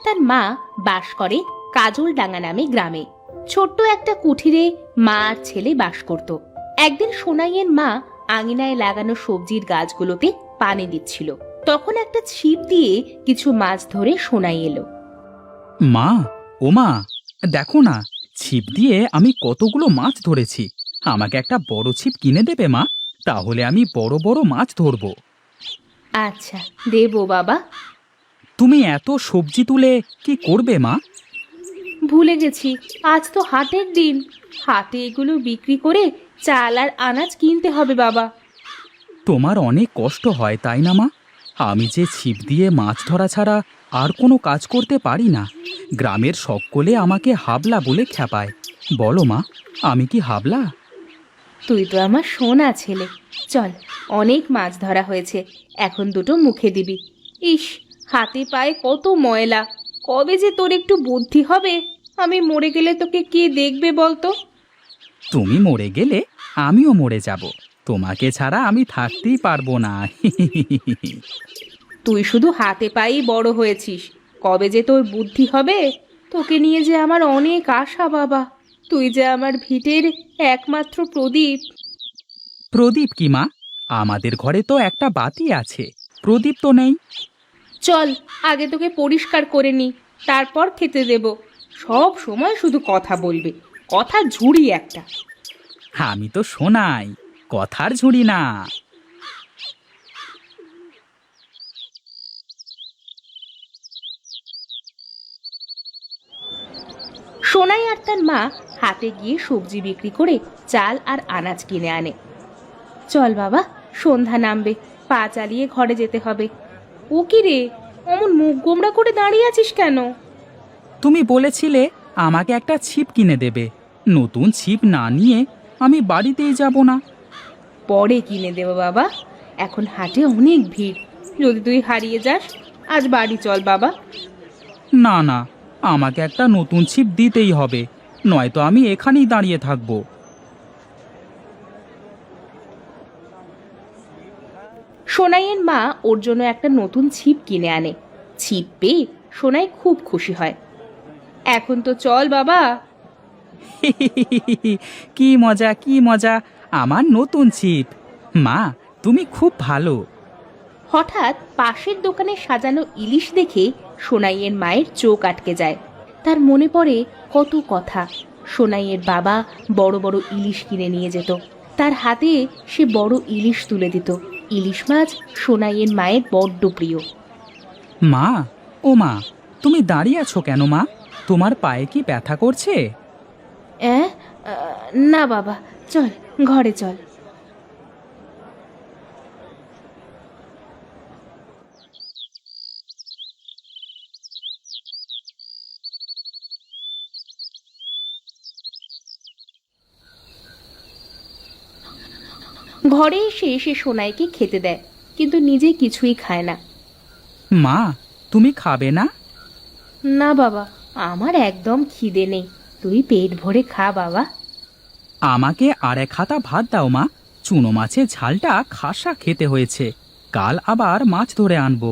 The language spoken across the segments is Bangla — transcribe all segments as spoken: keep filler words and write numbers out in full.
তার মা বাস করে কাজলডাঙ্গা নামে গ্রামে। ছোট্ট একটা কুঠিরে মা আর ছেলে বাস করত। একদিন সোনাইয়ের মা আঙিনায় লাগানো সবজির গাছগুলোতে পানি দিচ্ছিল। তখন একটা ছিপ দিয়ে কিছু মাছ ধরে সোনাই এলো। মা, ও মা, দেখো না, ছিপ দিয়ে আমি কতগুলো মাছ ধরেছি। আমাকে একটা বড় ছিপ কিনে দেবে মা? তাহলে আমি বড় বড় মাছ ধরবো। আচ্ছা দেবো বাবা। তুমি এত সবজি তুলে কি করবে মা? ভুলে গেছি, আজ তো হাটের দিন। হাটে এগুলো বিক্রি করে চাল আর আনাজ কিনতে হবে বাবা। তোমার অনেক কষ্ট হয় তাই না মা? আমি যে ছিপ দিয়ে মাছ ধরা ছাড়া আর কোনো কাজ করতে পারি না। গ্রামের সকলে আমাকে হাবলা বলে খ্যাপায়। বলো মা, আমি কি হাবলা? তুই তো আমার সোনা ছেলে। চল, অনেক মাছ ধরা হয়েছে, এখন দুটো মুখে দিবি। ইস, হাতে পায়ে কত ময়লা। কবে যে তোর একটু বুদ্ধি হবে? আমি মরে গেলে তোকে কে দেখবে বলতো? তুমি মরে গেলে আমিও মরে যাব। তোমাকে ছাড়া আমি থাকতেই পারবো না। তুই শুধু হাতে পায়েই বড় হয়েছিস, কবে যে তোর বুদ্ধি হবে? তোকে নিয়ে যে আমার অনেক আশা বাবা। তুই যে আমার ভিটের একমাত্র প্রদীপ। প্রদীপ কি মা? আমাদের ঘরে তো একটা বাতি আছে, প্রদীপ তো নেই। চল, আগে তোকে পরিষ্কার করে নি, তারপর খেতে দেব। সব সময় শুধু কথা বলবে, কথা ঝুড়ি একটা। আমি তো শোনাই, কথার ঝুড়ি না। সোনাই আর তার মা হাটে গিয়ে সবজি বিক্রি করে চাল আর আনাজ কিনে আনে। চল বাবা, সন্ধ্যা নামবে, পা চালিয়ে ঘরে যেতে হবে। ও কি রে, অমন মুখ গোমড়া করে দাঁড়িয়ে আছিস কেন? তুমি বলেছিলে আমাকে একটা ছিপ কিনে দেবে। নতুন ছিপ না নিয়ে আমি বাড়িতেই যাব না। পরে কিনে দেবো বাবা, এখন হাটে অনেক ভিড়। যদি তুই হারিয়ে যাস, আজ বাড়ি চল বাবা। না না, আমাকে একটা নতুন ছিপ দিতেই হবে, নয়তো আমি এখানেই দাঁড়িয়ে থাকব। সোনাইয়ের মা ওর জন্য একটা নতুন ছিপ কিনে আনে। ছিপ পেয়ে সোনাই খুব খুশি হয়। এখন তো চল বাবা। কি মজা, কি মজা, আমার নতুন ছিপ। মা, তুমি খুব ভালো। হঠাৎ পাশের দোকানে সাজানো ইলিশ দেখে সোনাইয়ের মায়ের চোখ আটকে যায়। তার মনে পড়ে কত কথা। সোনাইয়ের বাবা বড় বড় ইলিশ কিনে নিয়ে যেত, তার হাতে সে বড় ইলিশ তুলে দিত। ইলিশ মাছ সোনাইয়ের মায়ের বড্ড প্রিয়। মা, ও মা, তুমি দাঁড়িয়ে আছো কেন মা? তোমার পায়ে কি ব্যথা করছে? অ্যাঁ, না বাবা, চল ঘরে চল। ঘরে এসে সে সোনাইকে খেতে দেয়, কিন্তু নিজে কিছুই খায় না। মা, তুমি খাবে না? না বাবা, আমার একদম খিদে নেই। তুই পেট ভরে খা বাবা। আমাকে আর এক হাতা ভাত দাও মা। চুনো মাছের ঝালটা খাসা খেতে হয়েছে। কাল আবার মাছ ধরে আনবো।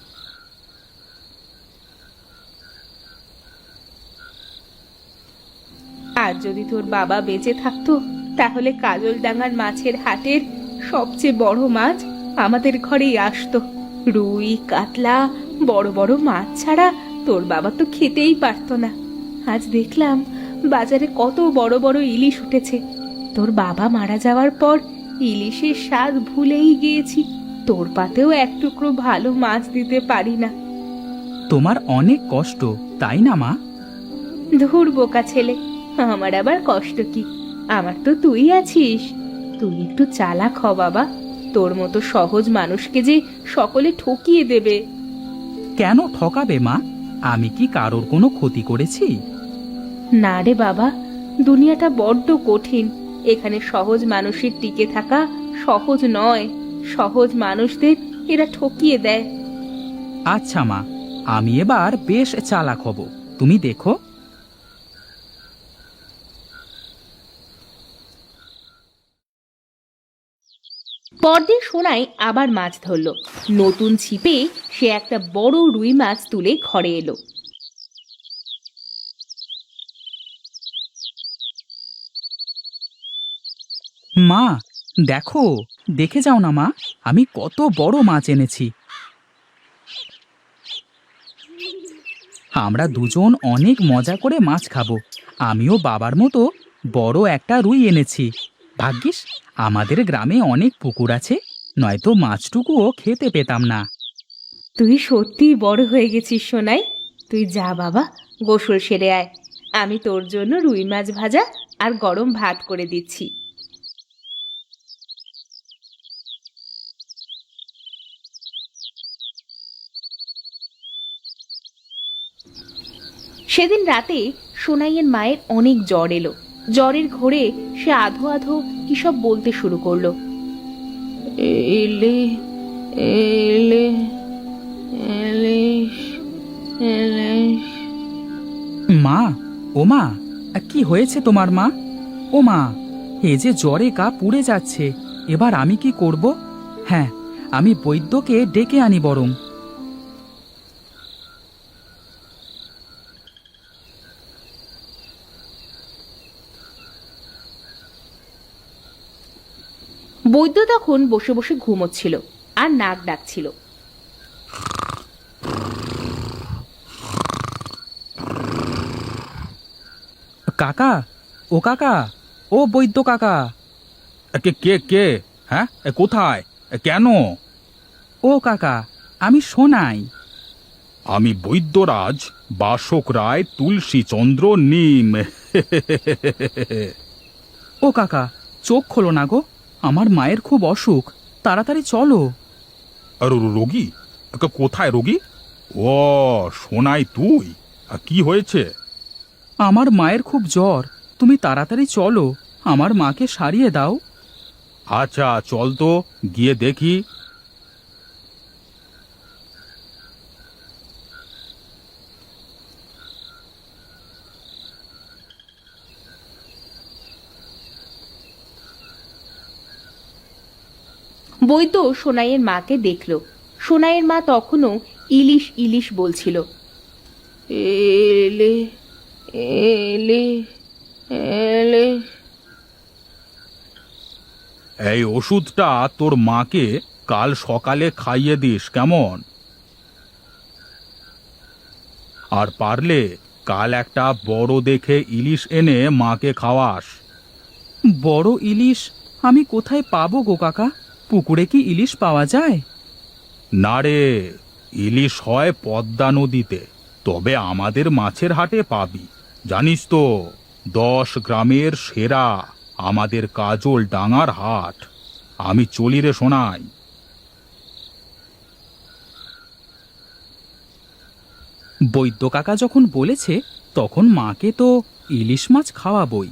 আর যদি তোর বাবা বেঁচে থাকতো, তাহলে কাজলডাঙ্গার মাছের হাটের সবচেয়ে বড় মাছ আমাদের ঘরেই আসতো। রুই, কাতলা, বড় বড় মাছ ছাড়া তোর বাবা তো খেতেই পারতো না। আজ দেখলাম বাজারে কত বড় বড় ইলিশ উঠেছে। তোর বাবা মারা যাওয়ার পর ইলিশের স্বাদ ভুলেই গিয়েছি। তোর পাতেও এক টুকরো ভালো মাছ দিতে পারি না। তোমার অনেক কষ্ট, তাই না মা? ধুর বোকা ছেলে, আমার আবার কষ্ট কি? আমার তো তুই আছিস। তুই একটু চালাক হ বাবা। তোর মতো সহজ মানুষকে যে সকলে ঠকিয়ে দেবে। কেন ঠকাবে মা? আমি কি কারোর কোনো ক্ষতি করেছি? না রে বাবা, দুনিয়াটা বড্ড কঠিন। এখানে সহজ মানুষের টিকে থাকা সহজ নয়। সহজ মানুষদের এরা ঠকিয়ে দেয়। আচ্ছা মা, আমি এবার বেশ চালাক হব, তুমি দেখো। পরদিন সোনাই আবার মাছ ধরলো। নতুন ছিপে সে একটা বড় রুই মাছ তুলে ঘরে এলো। মা, দেখো, দেখে যাও না মা, আমি কত বড় মাছ এনেছি। আমরা দুজন অনেক মজা করে মাছ খাবো। আমিও বাবার মতো বড় একটা রুই এনেছি। ভাগ্যিস আমাদের গ্রামে অনেক পুকুর আছে, নয়তো মাছটুকুও খেতে পেতাম না। তুই সত্যিই বড় হয়ে গেছিস সোনাই। তুই যা বাবা, গোসল সেরে আয়। আমি তোর জন্য রুই মাছ ভাজা আর গরম ভাত করে দিচ্ছি। সেদিন রাতে সোনাইয়ের মায়ের অনেক জ্বর এলো। জ্বরের ঘোরে সে আধো আধো কি সব বলতে শুরু করলো। এলে এলে এলিশ এলিশ। মা, ও মা, কি হয়েছে তোমার মা? ও মা, এ যে জ্বরে গা পুড়ে যাচ্ছে, এবার আমি কি করব? হ্যাঁ, আমি বৈদ্যকে ডেকে আনি বরং। বৈদ্য তখন বসে বসে ঘুমোচ্ছিল আর নাক ডাকছিল। কাকা, ও কাকা, ও বৈদ্য কাকা। কে কে কে হ্যাঁ, কোথায়, কেন? ও কাকা, আমি সোনাই। আমি বৈদ্যরাজ বাসক রায় তুলসীচন্দ্র নিম। ও কাকা, চোখ খোলো না গো, আমার মায়ের খুব অসুখ, তাড়াতাড়ি চলো। আর রোগী? ক- কোথায় রোগী? ও শোনাই তুই, আ, কি হয়েছে? আমার মায়ের খুব জ্বর, তুমি তাড়াতাড়ি চলো, আমার মাকে সারিয়ে দাও। আচ্ছা চল তো, গিয়ে দেখি। বৈদ্য সোনাইয়ের মাকে দেখল। সোনাইয়ের মা তখনও ইলিশ ইলিশ বলছিল। এলে এলে এলে। এই ওষুধটা তোর মাকে কাল সকালে খাইয়ে দিস, কেমন? আর পারলে কাল একটা বড় দেখে ইলিশ এনে মাকে খাওয়াস। বড় ইলিশ আমি কোথায় পাবো গো কাকা? পুকুরে কি ইলিশ পাওয়া যায়? না রে, ইলিশ হয় পদ্মা নদীতে, তবে আমাদের মাছের হাটে পাবি। জানিস তো, দশ গ্রামের সেরা আমাদের কাজল ডাঙার হাট। আমি চলি রে শোনাই। বৈদ্য কাকা যখন বলেছে, তখন মাকে তো ইলিশ মাছ খাওয়াবই।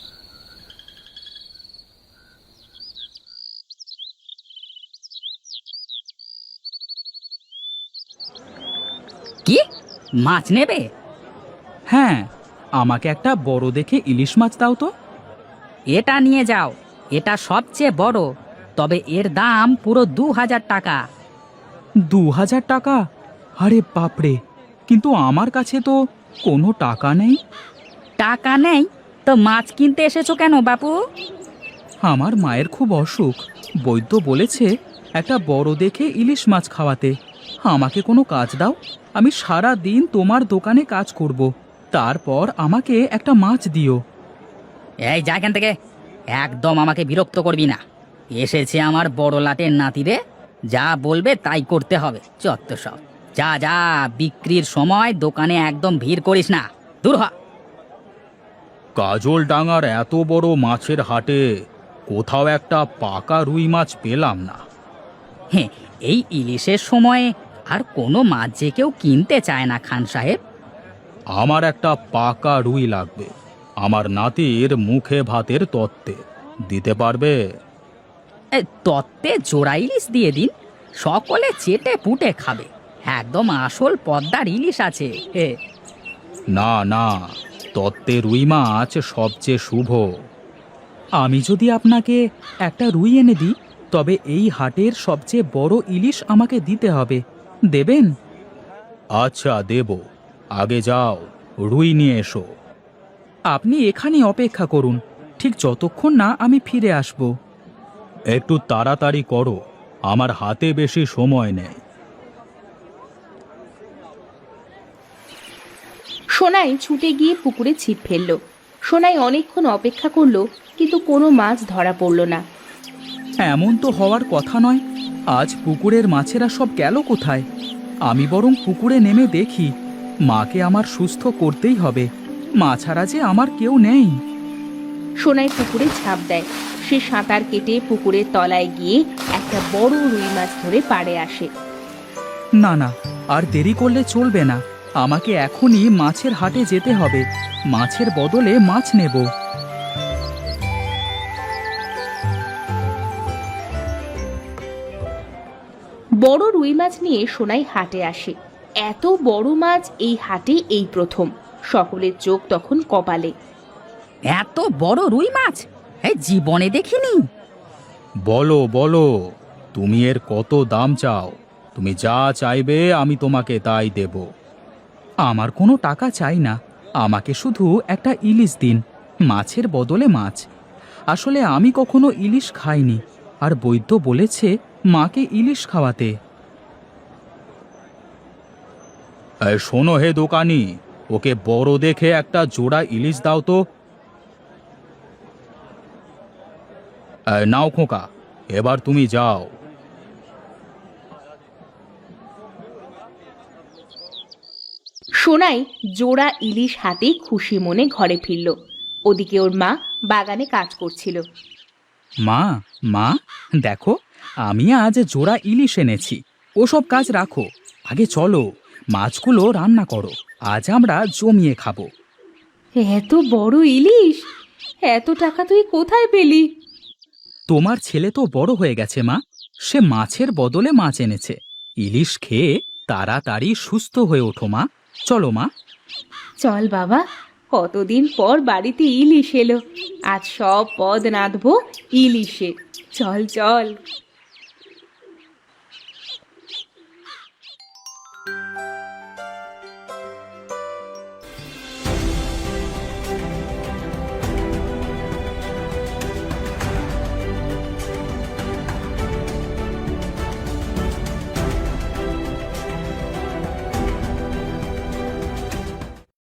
কি মাছ নেবে? হ্যাঁ, আমাকে একটা বড় দেখে ইলিশ মাছ দাও তো। এটা নিয়ে যাও, এটা সবচেয়ে বড়, তবে এর দাম পুরো দু হাজার টাকা। দু হাজার টাকা? আরে বাপরে, কিন্তু আমার কাছে তো কোনো টাকা নেই। টাকা নেই তো মাছ কিনতে এসেছো কেন বাপু? আমার মায়ের খুব অসুখ, বৈদ্য বলেছে একটা বড় দেখে ইলিশ মাছ খাওয়াতে। আমাকে কোনো কাজ দাও, আমি সারা দিন তোমার দোকানে কাজ করব, তারপর আমাকে একটা মাছ দিও। এই যা এখান থেকে, একদম আমাকে বিরক্ত করবি না। এসেছে আমার বড় লাটের নাতিরে, যা বলবে তাই করতে হবে। চত্ব সব, যা যা, বিক্রির সময় দোকানে একদম ভিড় করিস না, দূর হ। কাজল ডাঙার এত বড় মাছের হাটে কোথাও একটা পাকা রুই মাছ পেলাম না। হ্যাঁ, এই ইলিশের সময় আর কোনো মাছ যে কেউ কিনতে চায় না খান সাহেব। আমার একটা পাকা রুই লাগবে, আমার নাতির মুখে ভাতের তত্ত্বে। দিতে পারবে? এ, তত্ত্বে জোড়া ইলিশ দিয়ে দিন, সকলে চেটে পুটে খাবে। একদম আসল পদ্মার ইলিশ আছে। হে, না না, তত্ত্বে রুই মাছ সবচেয়ে শুভ। আমি যদি আপনাকে একটা রুই এনে দিই, তবে এই হাটের সবচেয়ে বড় ইলিশ আমাকে দিতে হবে, দেবেন? আচ্ছা দেব, আগে যাও রুই নিয়ে এসো। আপনি এখানে অপেক্ষা করুন, ঠিক যতক্ষণ না আমি ফিরে আসব। একটু তাড়াতাড়ি করো, আমার হাতে বেশি সময় নেই। সোনাই ছুটে গিয়ে পুকুরে ছিপ ফেললো। সোনাই অনেকক্ষণ অপেক্ষা করলো, কিন্তু কোনো মাছ ধরা পড়লো না। এমন তো হওয়ার কথা নয়। আজ পুকুরের মাছেরা সব গেল কোথায়? আমি বরং পুকুরে নেমে দেখি। মাকে আমার সুস্থ করতেই হবে। মা ছাড়া যে আমার কেউ নেই। সোনাই পুকুরে ঝাঁপ দেয়। সে সাঁতার কেটে পুকুরের তলায় গিয়ে একটা বড় রুই মাছ ধরে পাড়ে আসে। না না, আর দেরি করলে চলবে না। আমাকে এখনই মাছের হাটে যেতে হবে। মাছের বদলে মাছ নেব। বড় রুই মাছ নিয়ে সোনাই হাটে আসে। এত বড় মাছ এই হাটে এই প্রথম। সকলের চোখ তখন কপালে। এত বড় রুই মাছ এই জীবনে দেখিনি। বলো বলো, তুমি এর কত দাম চাও? তুমি যা চাইবে আমি তোমাকে তাই দেব। আমার কোনো টাকা চাই না। আমাকে শুধু একটা ইলিশ দিন, মাছের বদলে মাছ। আসলে আমি কখনো ইলিশ খাইনি, আর বৈদ্য বলেছে মাকে ইলিশ খাওয়াতে। এই শোনো হে দোকানি, ওকে বড় দেখে একটা জোড়া ইলিশ দাও তো। এই নাও খোকা, এবার তুমি যাও। সোনাই জোড়া ইলিশ হাতে খুশি মনে ঘরে ফিরল। ওদিকে ওর মা বাগানে কাজ করছিল। মা, মা, দেখো আমি আজ জোড়া ইলিশ এনেছি। ওসব কাজ রাখো, আগে চলো মাছগুলো রান্না করো। আজ আমরা জমিয়ে খাবো। এত বড় ইলিশ! এত টাকা তুই কোথায় পেলি? তোমার ছেলে তো বড় হয়ে গেছে মা। সে মাছের বদলে মাছ এনেছে। ইলিশ খেয়ে তাড়াতাড়ি সুস্থ হয়ে ওঠো মা। চলো মা। চল বাবা, কতদিন পর বাড়িতে ইলিশ এলো। আজ সব পদ রাঁধবো ইলিশে। চল চল।